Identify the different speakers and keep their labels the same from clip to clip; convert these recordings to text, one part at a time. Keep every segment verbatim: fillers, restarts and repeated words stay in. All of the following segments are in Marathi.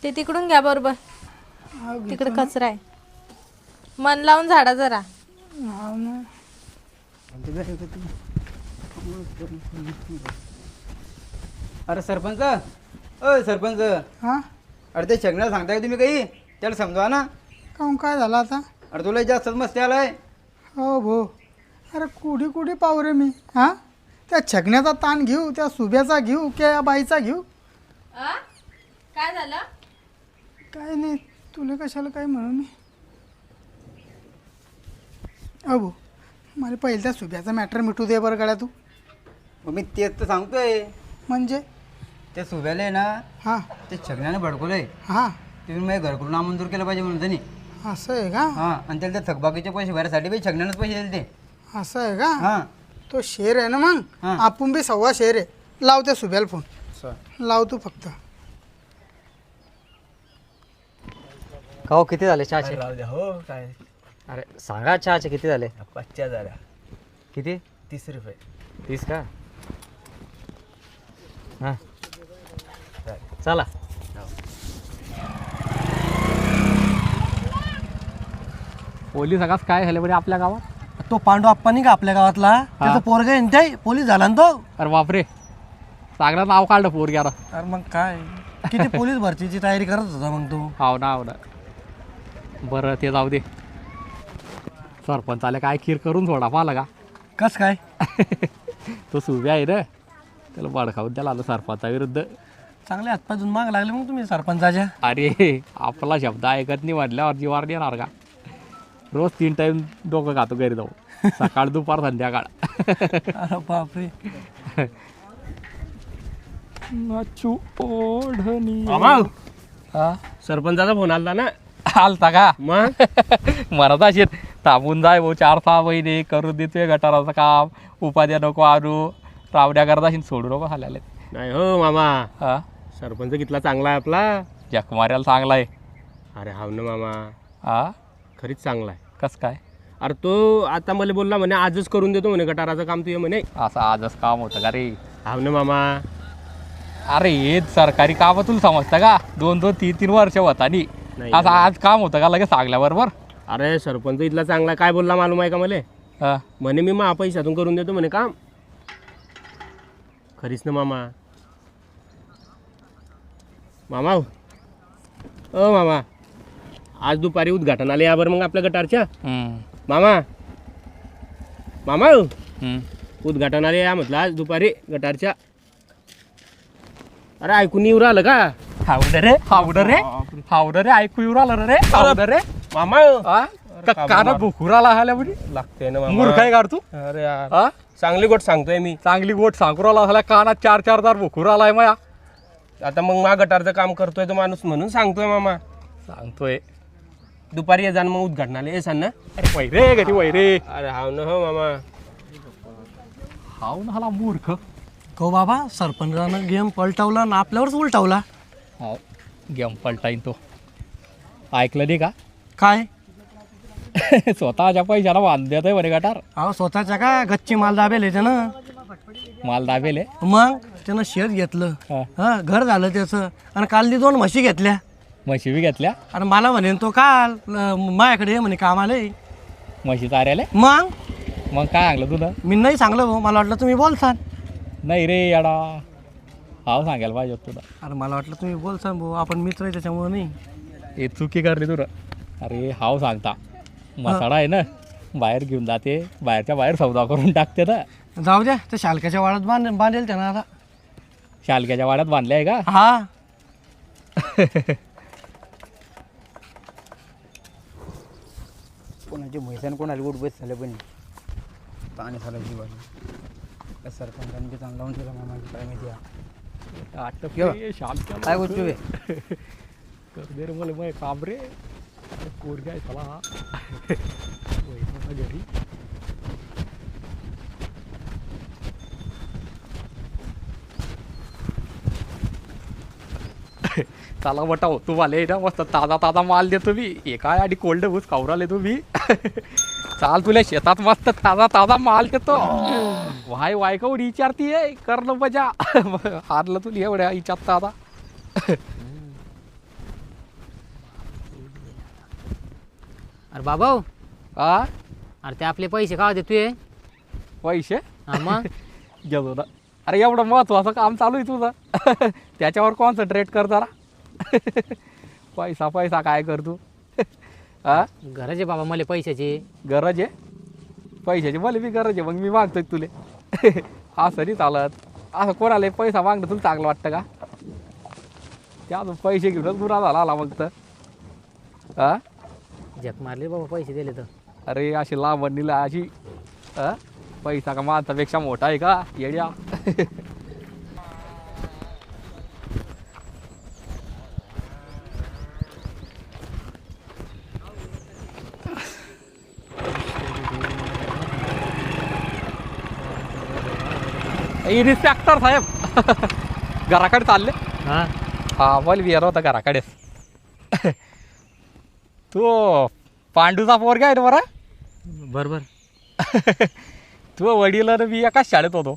Speaker 1: ते तिकडून घ्या बरोबर. तिकडे कचरा आहे. मन लावून झाडा जरा.
Speaker 2: हा ना.
Speaker 3: अरे सरपंच, अ सरपंच,
Speaker 2: हा
Speaker 3: अरे ते छगण्याला सांगताय का तुम्ही काही? त्याला समजवा ना.
Speaker 2: काहून काय झालं आता?
Speaker 3: अरे तुला जास्तच मस्ती आलाय.
Speaker 2: हो भो. अरे कुडी कुडी पाहू रे मी. हा त्या छगण्याचा ताण घेऊ, त्या सुब्याचा घेऊ की या बाईचा घेऊ?
Speaker 1: काय झालं?
Speaker 2: काय नाही, तुला कशाला काय म्हणू मी. अबो मला पहिले त्या सुब्याचा मॅटर मिटू दे बरं गड्या तू.
Speaker 3: मग मी तेच तर सांगतोय.
Speaker 2: म्हणजे
Speaker 3: ते सुब्याला आहे ना,
Speaker 2: हां
Speaker 3: ते छगण्याने भडकवलंय.
Speaker 2: हां
Speaker 3: तुम्ही माझ्या घरकुल नामंजूर केलं पाहिजे म्हणून त्यांनी.
Speaker 2: असं आहे का?
Speaker 3: हां, आणि त्याला त्या थकबाकीचे पैसे भरायसाठी बी छगण्यानंच पैसे दिले ते.
Speaker 2: असं आहे का?
Speaker 3: हां
Speaker 2: तो शेर आहे ना मग.
Speaker 3: हां.
Speaker 2: आपण बी सव्वा शेर आहे. लाव त्या सुब्याला फोन. लाव तू फक्त.
Speaker 4: हो किती झाले चहाचे?
Speaker 5: राहू द्या हो. काय
Speaker 4: अरे सांगा चहाचे किती झाले?
Speaker 5: पाचच्या झाल्या.
Speaker 4: किती?
Speaker 5: तीस रुपये.
Speaker 4: तीस का? हां चला.
Speaker 6: पोलीस आगास काय झाले बरे आपल्या गावात?
Speaker 5: तो पांडू आप्पा नाही का आपल्या गावातला, त्याचा पोरगा आहे ना ते पोलीस झाला ना तो.
Speaker 6: अरे बापरे, चांगलं नाव काढलं पोरग्याला.
Speaker 5: अरे मग काय किती पोलीस भरतीची तयारी करत होता मग तो.
Speaker 6: हाव ना हाव ना. बरं ते जाऊ दे. सरपंचाला काय खीर करून सोडा पाहिलं का?
Speaker 5: कस काय?
Speaker 6: तो सुब्या आहे ना, त्याला बडखावून त्याला आलं सरपंचाविरुद्ध.
Speaker 5: चांगले हातपाय माग लागले मग तुम्ही सरपंचाच्या.
Speaker 6: अरे आपला शब्द ऐकत नाही म्हटल्यावर जीवार येणार का? रोज तीन टाइम डोकं खातो घरी जाऊ, सकाळ दुपार संध्याकाळ.
Speaker 5: अरे बापरे.
Speaker 6: नाचू ओढणी.
Speaker 5: हा सरपंचाचा फोन आला ना.
Speaker 6: आलता का?
Speaker 5: मग
Speaker 6: म्हणत असेल थांबून जाय भाऊ, चार सहा महिने करून देतोय गटाराचं काम, उपाध्या नको आणू, रावड्या करत असेल, सोडू नको खाल्याले.
Speaker 5: नाही हो मामा,
Speaker 6: हा
Speaker 5: सरपंच कितला चांगला आहे आपला.
Speaker 6: जक मार्याला चांगला आहे.
Speaker 5: अरे हाव ना मामा,
Speaker 6: हा
Speaker 5: खरीच चांगला आहे.
Speaker 6: कस काय?
Speaker 5: अरे तो आता मला बोलला म्हणे आजच करून देतो म्हणे गटाराचं काम तुझे म्हणे.
Speaker 6: असं आजच काम होतं का रे?
Speaker 5: हाव ना मामा.
Speaker 6: अरे हे सरकारी काम तुला समजतं का? दोन दोन तीन तीन वर्ष होता नी
Speaker 5: नाही
Speaker 6: असं आज काम होतं का लगेच सांगल्याबरोबर?
Speaker 5: अरे सरपंच इथला चांगला काय बोलला मालूम आहे का मला?
Speaker 6: हा
Speaker 5: म्हणे मी मा पैशातून करून देतो म्हणे काम. खरीच ना मामा. मामा ओ मामा, आज दुपारी उद्घाटन आले यावर मग आपल्या गटारच्या.
Speaker 6: हम्म,
Speaker 5: मामा मामा
Speaker 6: हम्म.
Speaker 5: उद्घाटन आले या म्हटलं आज दुपारी गटारच्या. अरे ऐकून येऊ राहिलं का?
Speaker 6: हावडं रे हावडं रे हावडं रे ऐकू येऊ राहिलं रे हावडं रे.
Speaker 5: मामा
Speaker 6: हा? का- काना भुकुराला आल्या म्हणजे
Speaker 5: लागते ना
Speaker 6: मूर्ख
Speaker 5: मामा.
Speaker 6: आहे काढ तू?
Speaker 5: अरे यार,
Speaker 6: हा
Speaker 5: चांगली गोट सांगतोय मी.
Speaker 6: चांगली गोट सांकुराला झाल्या, कानात चार चार दार भुकुराला माया.
Speaker 5: आता मग मा गटारचं काम करतोय तो माणूस म्हणून सांगतोय मामा.
Speaker 6: सांगतोय
Speaker 5: दुपारी ये जाण मग उद्घाटनाला ये सांग ना.
Speaker 6: अरे वैरे गती वैरे.
Speaker 5: अरे हाव ना हो मामा.
Speaker 6: हाव ना हाला मूर्ख.
Speaker 5: हो बाबा, सरपंचानं गेम पलटवला ना आपल्यावरच उलटवला.
Speaker 6: हो गेम पलटाईन तो. ऐकलं नाही का?
Speaker 5: काय?
Speaker 6: स्वतःच्या पैशाला बांध देतोय म्हणे गटार.
Speaker 5: अहो स्वतःच्या का गच्ची माल दाबेल आहे त्यानं.
Speaker 6: माल दाबेले.
Speaker 5: मग त्यानं शेत घेतलं,
Speaker 6: हा.
Speaker 5: हा घर झालं त्याचं. आणि काल ती दोन म्हशी घेतल्या.
Speaker 6: म्हशी बी घेतल्या.
Speaker 5: आणि मला म्हणे तो काल अं, माझ्याकडे ये म्हणे कामाला ये.
Speaker 6: म्हशी चाऱ्याले.
Speaker 5: मग
Speaker 6: मग काय सांगलं तुला?
Speaker 5: मी नाही सांगलं भाऊ, मला वाटलं तुम्ही बोलसान.
Speaker 6: नाही रे याडा, हाव सांगायला पाहिजे होतं तुला.
Speaker 5: अरे मला वाटलं तुम्ही बोलसान भाऊ, आपण मित्र आहे त्याच्यामुळे नाही.
Speaker 6: हे चुकी करली तुला. अरे हाव सांगता, मसाडा आहे ना बाहेर घेऊन जाते, बाहेरच्या बाहेर सौदा करून टाकते ना.
Speaker 5: जाऊ द्या, त्या शालक्याच्या वाड्यात बांध बांधेल त्यानं आता.
Speaker 6: शालक्याच्या वाड्यात बांधले आहे का?
Speaker 5: हा.
Speaker 3: कोणाची म्हैसान कोणाला उठ बस झालं पण पाणी झालं जीवाला. त्या सरपंचाने बी चांगला लावून ठेवला मामाची काय माहिती आहे.
Speaker 6: आटप
Speaker 3: यो.
Speaker 6: रे, शालक्याला
Speaker 3: काय गोष्ट बे?
Speaker 6: कर दे रे मला मग काम रे. पोरगी आहे चला हा. वैभव घरी. चला बटाव तू वाले ना मस्त ताजा ताजा माल देतो मी. एका आणि कोल्ड भूस खावराले तुम्ही. चाल तुला शेतात मस्त ताजा ताजा माल देतो. वाय वाय का उडी विचारतीये करणं मजा. हारलं तुला एवढ्या विचारता आता.
Speaker 3: अरे बाबा
Speaker 6: हा
Speaker 3: अरे ते आपले पैसे का देतोय
Speaker 6: पैसे
Speaker 3: हा मग
Speaker 6: घेतो ना. अरे एवढं महत्वाचं काम चालू आहे तुझं त्याच्यावर कॉन्सन्ट्रेट कर जरा पैसा पैसा काय कर तू हा
Speaker 3: गरज आहे बाबा मला पैशाची
Speaker 6: गरज आहे पैशाची मला बी गरज आहे मग मी मागतोय तुले असं नाही चालत असं कोणाला पैसा मागणं तुला चांगलं वाटतं का त्या अजून पैसे घेऊनच गुन्हा झाला आला मग तर हा
Speaker 3: जग मारले बाबा पैसे दिले तर
Speaker 6: अरे अशी लांबणीला अशी हा पैसा का माणसापेक्षा मोठा आहे का येड्या इन्स्पेक्टर साहेब घराकडे चालले
Speaker 3: हा
Speaker 6: हा मला विचार होता घराकडेच तू पांडूचा पोरगा आहे ना बरं
Speaker 3: बरोबर
Speaker 6: तू वडील आणि मी एकाच शाळेत होतो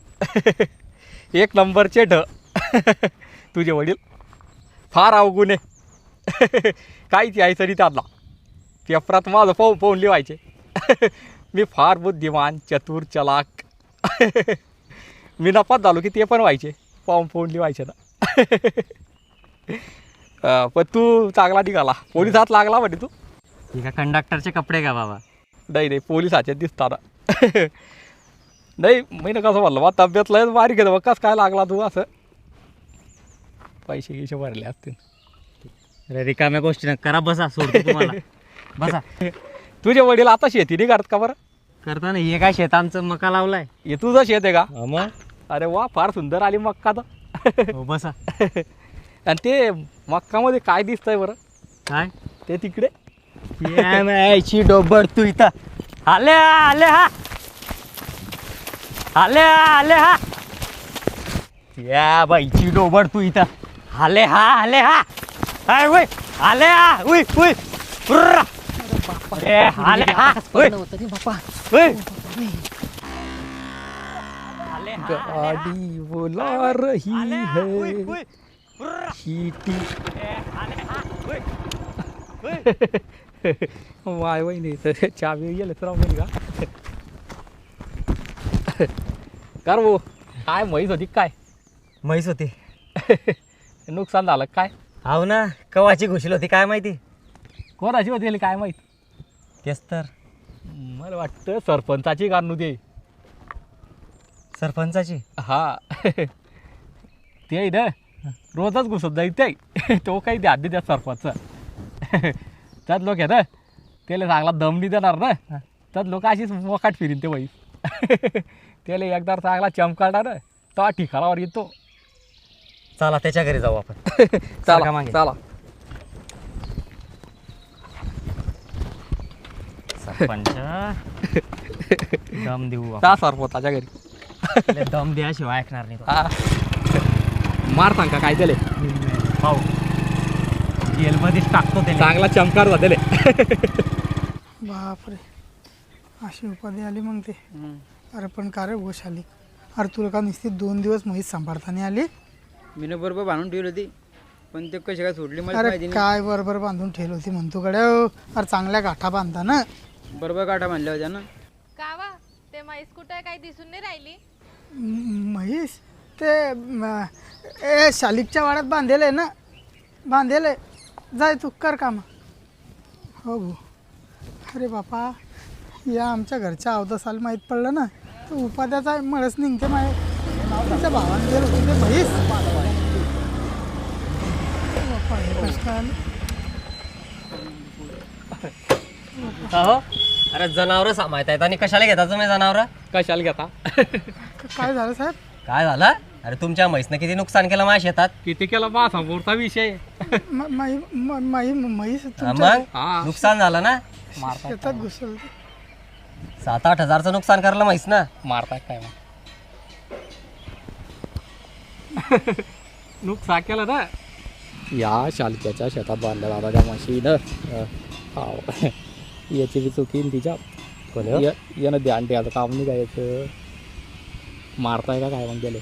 Speaker 6: एक नंबरचे ढ तुझे वडील फार अवगुण आहे काहीच यायचं नाही त्यांना पेपरात माझं पाहून पाहून लिवायचे मी फार बुद्धिमान चतुर चलाक मी नपात झालो की ते पण व्हायचे पाहून पाहून लिवायचे ना पण तू चांगला निघाला पोलिसात लागला म्हणजे तू
Speaker 3: ठीक आहे कंडक्टरचे कपडे का बाबा
Speaker 6: नाही नाही पोलिसाचे दिसताना नाही मी ना कसं म्हणलं बा तब्येत लय बारीक आहे बघ कसं काय लागला तू असं पैसे गिसे भरले असतील
Speaker 3: अरे रिकाम्या गोष्टी ना करा बसा सोडतो तुम्हाला बसा
Speaker 6: तुझे वडील आता शेती नाही करत का बरं
Speaker 3: करता ना हे काय शेत आमचं मका लावलाय
Speaker 6: हे तुझं शेत आहे का
Speaker 3: मग
Speaker 6: अरे वा फार सुंदर आली मक्का तर
Speaker 3: हो बसा
Speaker 6: आणि ते मक्कामध्ये काय दिसतंय बरं
Speaker 3: काय
Speaker 6: ते तिकडे
Speaker 3: याची डोबड तू इथं आले आले हा आले आले हा या बाईची डोबड तू इथं आले हा आले हा हाय वय आले हा उय उय उर्रा. ए, आले हा उय उय. आले हा,
Speaker 6: गाडी बोला रही
Speaker 3: आले हा, उय,
Speaker 6: है
Speaker 3: उय. उर्रा.
Speaker 6: शीटी
Speaker 3: ए, आले हा, उय. उय.
Speaker 6: वाय वहिनी तर चावी गेले तर राहून का कर भाऊ काय म्हैस होती काय
Speaker 3: म्हैस होती
Speaker 6: नुकसान झालं काय
Speaker 3: हाव ना कवाची घुशील होती काय माहिती
Speaker 6: कोणाची होती काय माहीत
Speaker 3: तेच तर
Speaker 6: मला वाटतं सरपंचाची काढू दे
Speaker 3: सरपंचाची
Speaker 6: हा ते ना रोजच घुसत जाईल ते तो काही द्या आधी त्या सरपंच त्यात लोक आहे ना त्याला चांगला दम नाही देणार ना त्यात लोक अशीच मोकाट फिरीन ते बाई त्याला एकदा चांगला चमकाडणार तो ठिकाणावर येतो
Speaker 3: चला त्याच्या घरी जाऊ आपण
Speaker 6: चला
Speaker 3: मागे.
Speaker 6: चला
Speaker 3: सरपंच दम देऊ आपण.
Speaker 6: त्या सरपंचाच्या घरी
Speaker 3: लय दम द्याशिवाय ऐकणार नाही तो.
Speaker 6: हा मार सांग का काय त्याले
Speaker 3: पाहू जेलमध्येच टाकतो त्याला
Speaker 6: चांगला चमकार झालेले
Speaker 2: बापरे अशी उपाधी आली मग ते अरे पण का रे गोश आली अरे तुला का नुसती दोन दिवस म्हैस सांभाळताना आली
Speaker 3: मी बरोबर बांधून ठेवली होती पण ते कशी काय सोडली मला
Speaker 2: अरे
Speaker 3: माहिती
Speaker 2: काय बरोबर बांधून ठेवली होती म्हणतो कडे अरे चांगल्या गाठा बांधता ना
Speaker 3: नाही बरोबर काटा बांधल्या होत्या ना
Speaker 1: कावा ते म्हैस कुठे काही दिसून नाही राहिली
Speaker 2: म- म्हैस ते म- ए शालिकच्या वाड्यात बांधेल आहे ना बांधेल आहे जाय तू कर काम हो भाऊ अरे बापा या आमच्या घरच्या अवदसाला माहीत पडलं ना तर उपाध्याचा मळच निघते माय तुमच्या भावाने गेलं होतं ते म्हैस बापा हे कसं काय आलं?
Speaker 7: हो अरे जनावर सांभाळत आहेत आणि कशाला घेता तुम्ही जनावर
Speaker 6: कशाला घेता
Speaker 2: क- काय झालं साहेब
Speaker 7: काय झालं अरे तुमच्या म्हैसनं किती नुकसान केलं माझ्या शेतात
Speaker 6: किती केला मा समोरचा विषय
Speaker 2: म- माई म- माई म्हैस
Speaker 7: हा,
Speaker 2: तुमच्या
Speaker 7: मग
Speaker 6: हा
Speaker 7: नुकसान झालं ना
Speaker 6: मारताय
Speaker 2: शेतात घुसल
Speaker 7: सात आठ हजारचं नुकसान करलं म्हैस ना
Speaker 6: मारताय काय मग नुकसान केलं ना या शालक्याच्या शेतात बांधल्या दादा त्या म्हशीनं हा याची बी चुकी न तिच्या
Speaker 7: कोण हो?
Speaker 6: या- यानं ध्यान ठेवायचं काम नाही काय याचं मारताय का काय मग गेले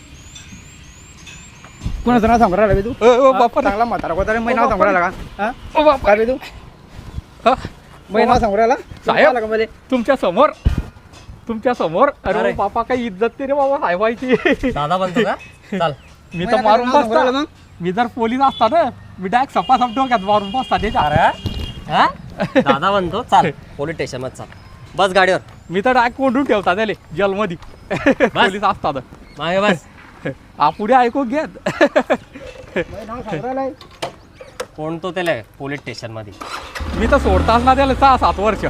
Speaker 3: कोणाचं नाव सांगू राहिला बे तू
Speaker 6: बापा
Speaker 3: चांगला म्हातारा कोतारा मी नाव सांगू राहिला का हा?
Speaker 6: बापा
Speaker 3: काय बे तू
Speaker 6: हा?
Speaker 8: महिना सांगू राहिला
Speaker 6: साहेब
Speaker 8: का मध्ये
Speaker 6: तुमच्या समोर तुमच्या समोर अरे
Speaker 7: अरे.
Speaker 6: बापा काही इज्जत नाही रे बाबा साहेबाची
Speaker 7: दादा बनतो का चाल
Speaker 6: मी तर मारून
Speaker 8: सांगू राहिला
Speaker 6: बसता
Speaker 8: मग
Speaker 6: मी जर पोलीस असता ना मी डायरेक्ट सपासप डोक्यात मारून बसता त्याच्या
Speaker 7: अरे हा दादा बनतो चाल पोलीस स्टेशन मध्ये चाल बस गाडीवर
Speaker 6: मी तर डायरेक्ट कोंडून ठेवता त्याले जेलमध्ये पोलीस असतात
Speaker 7: मागे बस
Speaker 6: हा पुढे ऐकून घेत
Speaker 8: सांगू राहिलाय
Speaker 7: कोण तो त्याला पोलीस स्टेशन मध्ये
Speaker 6: मी तर सोडताच ना त्याला सहा सात वर्ष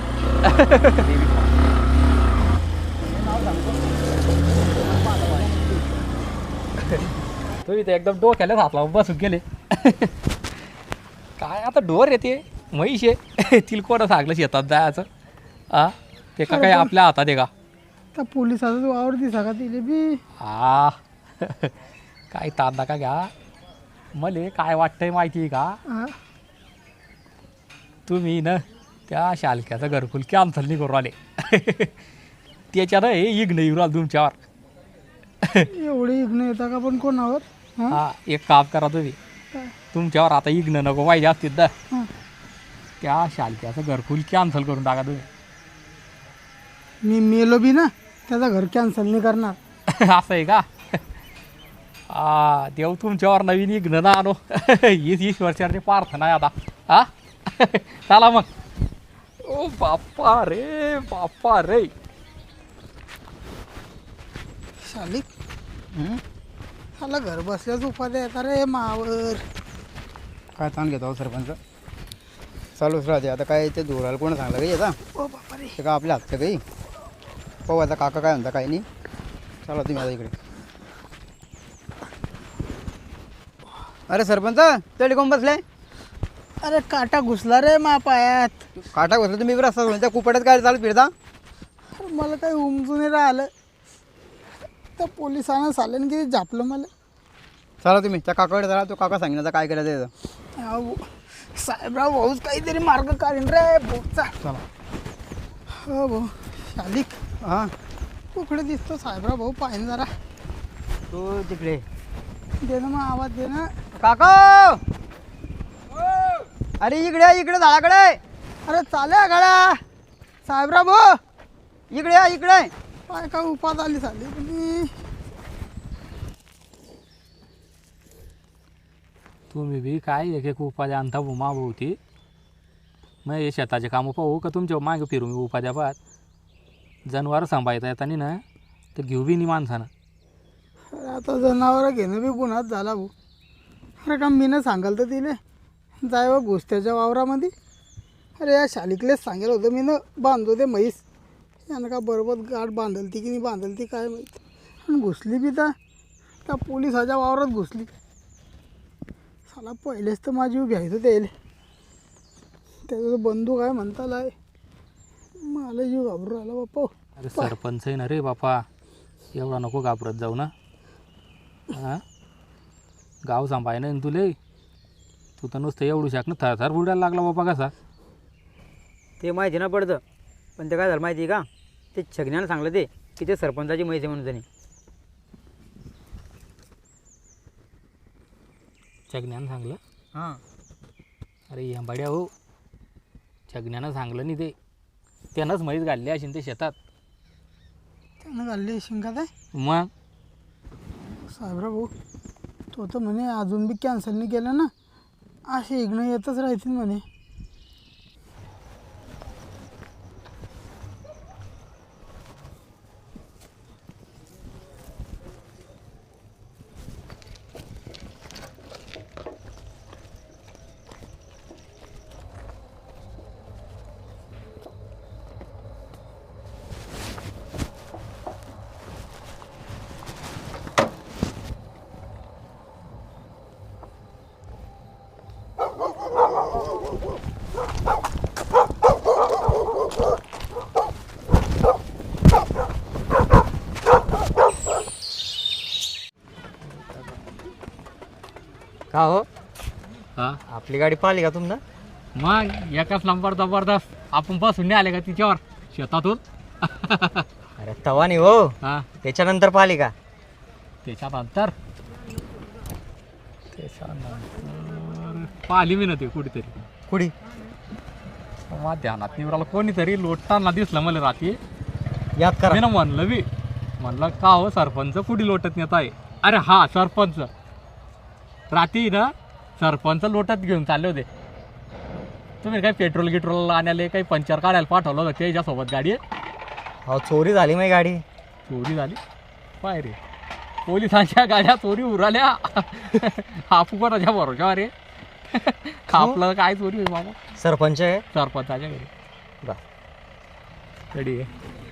Speaker 6: तुम्ही ते एकदम डोक्याला हात लावून बसून गेले काय आता डोर येते म्हैस आहे तिला कोणं सांगलं शेतात जायचं हा ते का काय आपल्या हातात आहे का
Speaker 2: त्या पोलिसाचा वावर दिसा का तिले बी
Speaker 6: हा काय ताण नका घ्या मले काय वाटतंय माहिती आहे का
Speaker 2: हा.
Speaker 6: तुम्ही ना त्या शालक्याचं घरकुल कॅन्सल नाही करू आले त्याच्यानं हे इग्न येऊ राहिलं तुमच्यावर
Speaker 2: एवढे इग्न येता का पण कोणावर हा
Speaker 6: हा एक काम करा तुम्ही
Speaker 2: काय?
Speaker 6: तुमच्यावर आता इग्न नको पाहिजे असतील तर
Speaker 2: हा.
Speaker 6: त्या शालक्याचं घरकुल कॅन्सल करून टाका तुम्ही
Speaker 2: मी मेलो बी ना त्याचा घर कॅन्सल नाही करणार
Speaker 6: असं आहे का हा देव तुमच्यावर नवीन इग्न ना आणो हीच ईश्वरचरणी प्रार्थना आहे आता हा चला मग ओ बाप्पा रे बाप्पा रे
Speaker 2: शालिक त्याला घर बसल्याच उपाध्याय येतात रे मावर
Speaker 8: काय ताण घेतो सरपंच चालूच राहते आता काय ते धुराला कोण सांगलं काही आता
Speaker 2: ओ बापा रे
Speaker 8: ते का आपल्या हातचं काही पाहू आता काका काय म्हणता काही नाही चला तुम्ही आता इकडे अरे सरपंच तरी कोण बसलाय
Speaker 2: अरे काटा घुसला रे मा पायात
Speaker 8: काटा बसला तुम्ही बी रस्ता सोडून त्या कुपड्यात काय चालत फिरता
Speaker 2: अरे मला काही उमजून नाही राहिलं त्या पोलिसानं साल्यानं किती झापलं मला
Speaker 8: चला तुम्ही त्या काकाकडे चला तो काका सांगेन आता काय करायचं त्याचं
Speaker 2: अहो, साहेबराव भाऊच काहीतरी मार्ग काढीन रे भाऊचा
Speaker 8: चला
Speaker 2: हो भाऊ शालिक
Speaker 8: हां
Speaker 2: कुकडे दिसतो साहेबराव भाऊ पाहिजे जरा
Speaker 8: तो तिकडे
Speaker 2: दे ना मग आवाज दे ना
Speaker 8: काका अरे इकडे इकडे झाडाकडे
Speaker 2: अरे चाले गाड्या साहेबराव भाऊ
Speaker 8: इकडे या इकडे
Speaker 2: काय काय उपास आली झाली तुम्ही
Speaker 6: तुम्ही बी काय एक एक उपाध्या आणता उमा भोवती मग हे शेताचे कामं पाहू का तुमच्या मागे फिरू मी उपाध्या पाहत जनावर सांभाळता येतानी ना तर घेऊ बी नाही माणसानं
Speaker 2: अरे आता जनावरं घेणं बी गुन्हाच झाला भाऊ अरे का मी ना सांगाल तर तिले जाय व घुसत्याच्या वावरामध्ये अरे या शालिकलेच सांगेल होतं मी ना बांधतो ते म्हैस यानं का बरोबर गाठ बांधल ती की नाही बांधल ती काय माहिती आणि घुसली बी तर त्या पोलिसाच्या वावरात घुसली साला पहिलेच तर माझी उभी आहे तर त्याला त्याचा बंदूक आहे म्हणता लाय मला जीव घाबरून राहिला बाप्पा
Speaker 6: अरे सरपंच आहे ना रे बापा एवढा नको घाबरत जाऊ ना हां गाव सांभाळ ना तुले तू तर नुसतं एवढू शाक ना थरथर बुडायला लागला बापा कसा
Speaker 8: ते माहिती ना पडतं पण ते काय झालं माहिती आहे का ते छगण्यानं सांगलं ते की ते सरपंचाची म्हैस आहे म्हणून त्यांनी
Speaker 6: छगण्यानं सांगलं
Speaker 8: हां
Speaker 6: अरे यांबाड्या हो छगण्यानं सांगलं नाही ते त्यानंच म्हैस घालली असेल ते शेतात
Speaker 2: त्यानं घालली शिंकात आहे
Speaker 6: मग
Speaker 2: साहेबराव भाऊ तो तर म्हणे अजून बी कॅन्सल नाही केलं ना असे इग्न येतच राहतील म्हणे
Speaker 7: का हो
Speaker 6: हां
Speaker 7: आपली गाडी पाहिली का तुमनं
Speaker 6: मग एकाच नंबर जबरदस्त आपण बसून नाही आले का तिच्यावर शेतातून
Speaker 7: अरे तवा नाही हो
Speaker 6: हां
Speaker 7: त्याच्यानंतर पाहिली का
Speaker 6: त्याच्यानंतर त्याच्यानंतर पाहिली मी ना ते कुठेतरी
Speaker 7: कुडी
Speaker 6: मग ध्यानात निवराला कोणीतरी लोटताना दिसलं मला रात्री.
Speaker 3: याद करा
Speaker 6: मी ना म्हणलं मी म्हणलं का हो सरपंच कुठे लोटत नेत आहे. अरे हा सरपंच रात्री ना सरपंच लोटत घेऊन चालले होते. तुम्ही काही पेट्रोल गिट्रोल आणायला काही पंचर काढायला पाठवलं होतं त्याच्यासोबत गाडी.
Speaker 3: अहो चोरी झाली माझी गाडी.
Speaker 6: चोरी झाली पाय रे. पोलिसांच्या गाड्या चोरी उराल्या. आपू कोणाच्या भरोशावर रे. आपलं काय चोरी होईल बाबा.
Speaker 3: सरपंच आहे
Speaker 6: सरपंचाच्या घरी
Speaker 3: बा.
Speaker 6: गडी आहे.